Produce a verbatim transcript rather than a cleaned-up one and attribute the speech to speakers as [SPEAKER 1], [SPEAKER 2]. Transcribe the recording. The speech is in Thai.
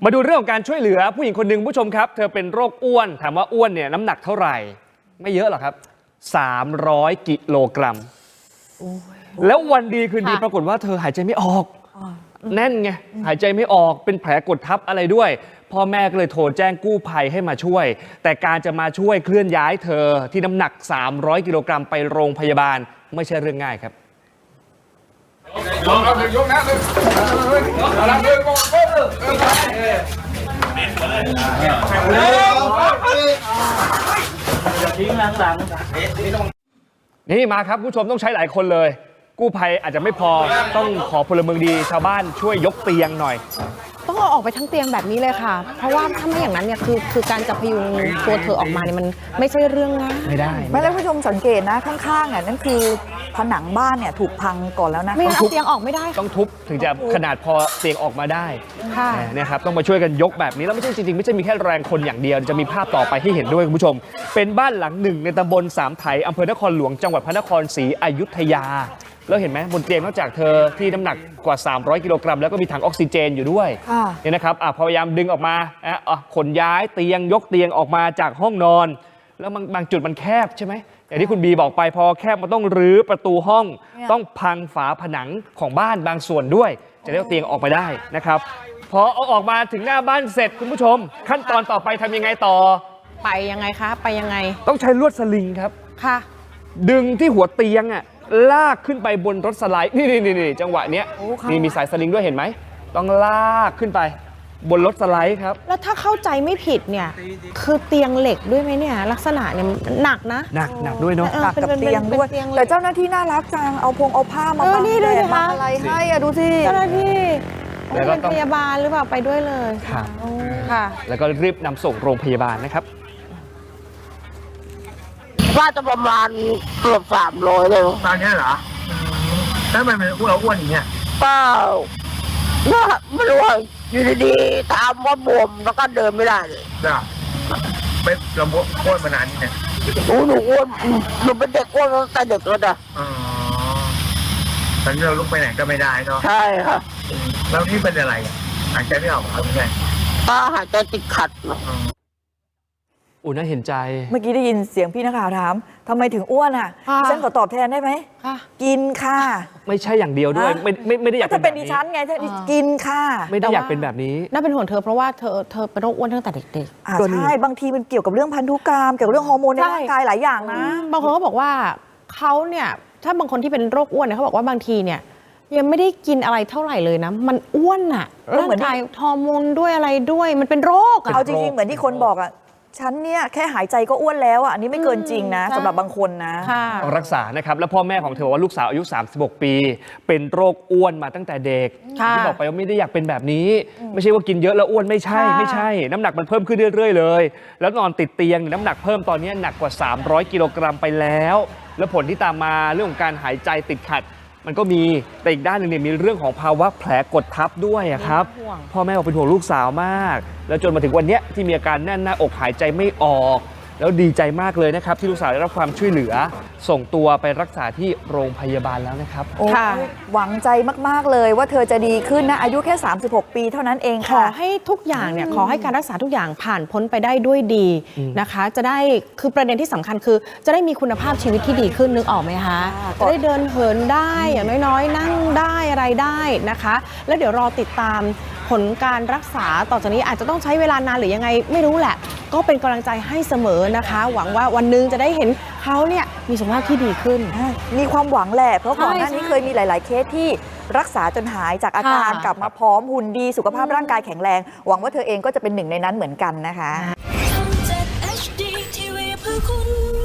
[SPEAKER 1] มาดูเรื่องของการช่วยเหลือผู้หญิงคนหนึ่งผู้ชมครับเธอเป็นโรคอ้วนถามว่าอ้วนเนี่ยน้ำหนักเท่าไหร่ไม่เยอะหรอกครับสามร้อยกิโลกรัมแล้ววันดีคืนดีปรากฏว่าเธอหายใจไม่ออกแน่นไงหายใจไม่ออกเป็นแผลกดทับอะไรด้วยพ่อแม่ก็เลยโทรแจ้งกู้ภัยให้มาช่วยแต่การจะมาช่วยเคลื่อนย้ายเธอที่น้ำหนักสามร้อยกิโลกรัมไปโรงพยาบาลไม่ใช่เรื่องง่ายครับ
[SPEAKER 2] ยกเอายกนะเลยเอาละเลยบอกเออ
[SPEAKER 1] นี่มาครับผู้ชมต้องใช้หลายคนเลยกู้ภัยอาจจะไม่พอต้องขอพลเมืองดีชาวบ้านช่วยยกเตียงหน่อย
[SPEAKER 3] ต้องเอาออกไปทั้งเตียงแบบนี้เลยค่ะเพราะว่าถ้าไม่อย่างนั้นเนี่ยคือคือการจะพยุงตัวเธอออกมาเนี่ยมันไม่ใช่เรื่องง่าย
[SPEAKER 1] ไม่ได้
[SPEAKER 4] ไม่แล้วผู้ชมสังเกตนะข้างๆอ่ะนั่นคือผนังบ้านเนี่ยถูกพังก่อนแล้วนะ
[SPEAKER 3] ไม่งั้นเอาเตียงออกไม่ได้
[SPEAKER 1] ต้องทุบถึงจะขนาดพอเตียงออกมาได้
[SPEAKER 3] ค่ะ
[SPEAKER 1] เนี่ยครับต้องมาช่วยกันยกแบบนี้แล้วไม่ใช่จริงๆไม่ใช่มีแค่แรงคนอย่างเดียวจะมีภาพต่อไปให้เห็นด้วยคุณผู้ชมเป็นบ้านหลังหนึ่งในตำบลสามไถอำเภอนครหลวงจังหวัดพระนครศรีอยุธยาแล้วเห็นไหมบนเตียงนอกจากเธอที่น้ำหนักกว่าสามร้อยกิโลกรัมแล้วก็มีถังออกซิเจนอยู่ด้วยเนี่ยนะครับพยายามดึงออกมาขนย้ายเตียงยกเตียงออกมาจากห้องนอนแล้วบางจุดมันแคบใช่ไหมอย่างที่คุณบีบอกไปพอแคบมันต้องรื้อประตูห้องต้องพังฝาผนังของบ้านบางส่วนด้วยจะได้เอาเตียงออกมาได้นะครับพอเอาออกมาถึงหน้าบ้านเสร็จคุณผู้ชมขั้นตอนต่อไปทำยังไงต่อ
[SPEAKER 3] ไปยังไงคะไปยังไง
[SPEAKER 1] ต้องใช้ลวดสลิงครับ
[SPEAKER 3] ค่ะ
[SPEAKER 1] ดึงที่หัวเตียงอ่ะลากขึ้นไปบนรถสไลด์นี่นี่นี่จังหวะเนี้ยนี่มีสายสลิงด้วยเห็นไหมต้องลากขึ้นไปบนรถสไลด์ครับ
[SPEAKER 3] แล้วถ้าเข้าใจไม่ผิดเนี่ยคือเตียงเหล็กด้วยไหมเนี่ยลักษณะเนี่ยหนักนะ
[SPEAKER 1] หนักหนักด้วยเนาะ
[SPEAKER 4] หนักกับเตียงด้วยแต่เจ้าหน้าที่น่ารักจังเอาพงเอาผ้ามาบังแดดมาอะไรให้อะดูสิ
[SPEAKER 3] เจ้าหน้าที่แล้วก็พยาบาลหรือเปล่าไปด้วยเลย
[SPEAKER 1] ค่ะ
[SPEAKER 3] ค่ะ
[SPEAKER 1] แล้วก็รีบนำส่งโรงพยาบาลนะครับ
[SPEAKER 5] ว่าจะประมาณเกือบสามร้อยเลย
[SPEAKER 2] ตอนนี้เหรอแล้วมันเป็นอ้วนอ้วนอย่างเงี้ย
[SPEAKER 5] เปล่าไม่รู้ว่าอยู่ดีๆถามว่าบวมแล้วก็เดินไม่ได้เลย
[SPEAKER 2] จ้ะเป็นลำบากอ้วนมานานนี่เนี่ย
[SPEAKER 5] หนูหนูอ้วนหนูเป็นเด็กอ้วนตั้งแต่เด็กแล้วนะ
[SPEAKER 2] อ๋อตอนนี้เราลุกไปไหนก็ไม่ได้เนาะ
[SPEAKER 5] ใช่ค่ะ
[SPEAKER 2] แล้วนี่เป็นอะไรหายใจไม่ออกหรือไง
[SPEAKER 5] ก็หายใจติดขัด
[SPEAKER 1] อุ่นน่าเห็นใจ
[SPEAKER 4] เมื่อกี้ได้ยินเสียงพี่นักข่าวถามทำไมถึงอ้วนอ่ะฉันขอตอบแทนได้ไหมกินค่ะ
[SPEAKER 1] ไม่ใช่อย่างเดียวด้วยไม่ไม่ไม่ได้อยาก
[SPEAKER 4] เป็นดิฉันไงกินค่ะ
[SPEAKER 1] ไม่ได้อยากเป็นแบบนี้
[SPEAKER 3] น่าเป็นห่วงเธอเพราะว่าเธอเธอเป็นโรคอ้วนตั้งแต่เด็ก
[SPEAKER 4] ๆใช่บางทีมันเกี่ยวกับเรื่องพันธุกรรมเกี่ยวกับเรื่องฮอร์โมนในร่างกายหลายอย่างนะ
[SPEAKER 3] บางคนก็บอกว่าเขาเนี่ยถ้าบางคนที่เป็นโรคอ้วนเนี่ยเขาบอกว่าบางทีเนี่ยยังไม่ได้กินอะไรเท่าไหร่เลยนะมันอ้วนอ่ะร่างกายฮอร์โมนด้วยอะไรด้วยมันเป็นโรค
[SPEAKER 4] เอาจริงๆเหมือนที่คนบอกอ่ะฉันเนี่ยแค่หายใจก็อ้วนแล้วอ่ะอันนี้ไม่เกินจริงนะสำหรับบางคนนะ
[SPEAKER 1] ต้องรักษานะครับแล้วพ่อแม่ของเธอว่าลูกสาวอายุสามสิบหกปีเป็นโรคอ้วนมาตั้งแต่เด็กที่บอกไปว่าไม่ได้อยากเป็นแบบนี้ไม่ใช่ว่ากินเยอะแล้วอ้วนไม่ใช่ไม่ใช่น้ำหนักมันเพิ่มขึ้นเรื่อยๆเลยแล้วนอนติดเตียงน้ำหนักเพิ่มตอนนี้หนักกว่าสามร้อยกิโลกรัมไปแล้วแล้วผลที่ตามมาเรื่องของการหายใจติดขัดมันก็มีแต่อีกด้านหนึ่งเนี่ยมีเรื่องของภาวะแผลกดทับด้วยครับพ่อแม่บอกเป็นห่วงลูกสาวมากแล้วจนมาถึงวันนี้ที่มีอาการแน่นหน้าอกหายใจไม่ออกแล้วดีใจมากเลยนะครับที่ลูกสาวได้รับความช่วยเหลือส่งตัวไปรักษาที่โรงพยาบาลแล้วนะครับ
[SPEAKER 4] ค่ะหวังใจมากๆเลยว่าเธอจะดีขึ้นนะอายุแค่สามสิบหกปีเท่านั้นเองค่ะ
[SPEAKER 3] ขอให้ทุกอย่างเนี่ยขอให้การรักษาทุกอย่างผ่านพ้นไปได้ด้วยดีนะคะจะได้คือประเด็นที่สำคัญคือจะได้มีคุณภาพชีวิตที่ดีขึ้นนึกออกไหมคะจะได้เดินเหินได้อย่างน้อยๆนั่งได้อะไรได้นะคะแล้วเดี๋ยวรอติดตามผลการรักษาต่อจากนี้อาจจะต้องใช้เวลานานหรือยังไงไม่รู้แหละก็เป็นกำลังใจให้เสมอนะคะหวังว่าวันนึงจะได้เห็นเขาเนี่ยมีสุขภาพที่ดีขึ้น
[SPEAKER 4] มีความหวังแหละเพราะก่อนหน้านี้เคยมีหลายๆเคสที่รักษาจนหายจากอาการกลับมาพร้อมหุ่นดีสุขภาพร่างกายแข็งแรงหวังว่าเธอเองก็จะเป็นหนึ่งในนั้นเหมือนกันนะคะ